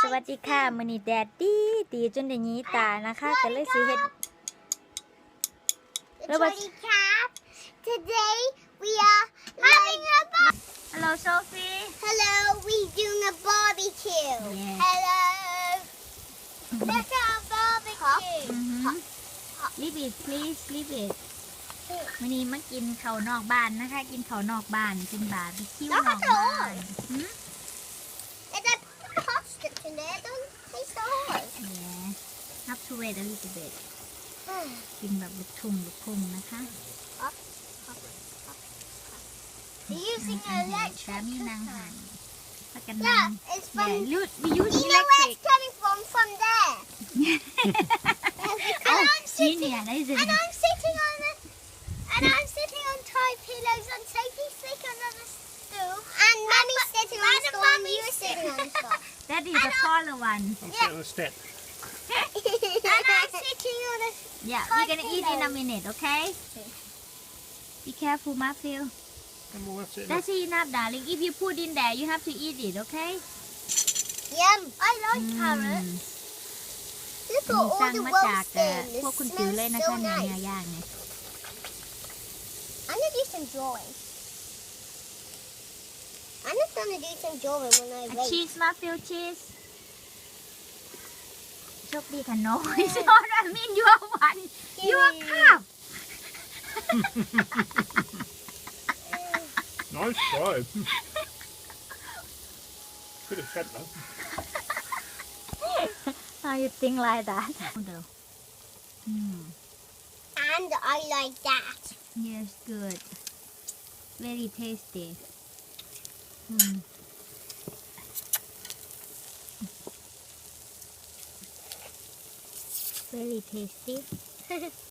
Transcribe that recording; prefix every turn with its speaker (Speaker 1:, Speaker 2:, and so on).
Speaker 1: วัสดีค่ะมื้อนี้แดดดีจนได้หยีตานะคะก็เลยสิเฮ็ด
Speaker 2: Sorry, Cap. Today we are having a
Speaker 1: Hello Sophie
Speaker 2: hello. We doing a barbecue.
Speaker 1: Yes.
Speaker 2: Hello. Look at our barbecue.
Speaker 1: Leave it please leave it มื้อนี้มากินข้าวนอกบ้านนะคะกินข้าวนอกบ้านกินบาร์บีคิวนอกบ้านหืม
Speaker 2: There's a hot strips in there. Don't taste the hot.
Speaker 1: Yeah have to wait a little bit กินแบบลูกทุ่งนะคะ
Speaker 2: They're using
Speaker 1: อาหาร
Speaker 2: electric
Speaker 1: สามีนางหัน
Speaker 2: cooker.
Speaker 1: แล้วกันนาง
Speaker 2: Yeah, it's
Speaker 1: Yeah,
Speaker 2: from.
Speaker 1: we use
Speaker 2: You know where
Speaker 1: electric
Speaker 2: it's coming from there.
Speaker 1: Oh,
Speaker 2: and I'm sitting.
Speaker 1: Genius, isn't
Speaker 2: And
Speaker 1: it?
Speaker 2: I'm sitting on the. And I'm sitting on Thai pillows and Sophie's sitting on the stool. And Mummy's sitting on the stool and you're sitting on the stool.
Speaker 1: That is a taller one
Speaker 3: I'm sitting on the step.
Speaker 2: And I'm sitting on the.
Speaker 1: Yeah, we're gonna eat in a minute, okay? Be careful, Matthew.
Speaker 3: I'm all right sitting
Speaker 1: That's enough, darling. If you put in there, you have to eat it, okay?
Speaker 2: Yum. I like carrots. Look
Speaker 1: มี
Speaker 2: at
Speaker 1: สั่
Speaker 2: all
Speaker 1: ง
Speaker 2: the
Speaker 1: มา
Speaker 2: roast
Speaker 1: จาก
Speaker 2: them.
Speaker 1: พวก
Speaker 2: It
Speaker 1: คุณติ๋วเลย
Speaker 2: smells
Speaker 1: นะ
Speaker 2: so
Speaker 1: คะเนี่ย
Speaker 2: nice.
Speaker 1: ย่างเนี่ย
Speaker 2: I'm gonna do some drawing. I'm just gonna do some drawing when I wait.
Speaker 1: Cheese, Matthew, cheese. โชคดีค่ะ no it's not I mean your one your cup
Speaker 3: Nice try. Could have said that.
Speaker 1: how you think like that
Speaker 2: And I like that.
Speaker 1: yes good very tasty very tasty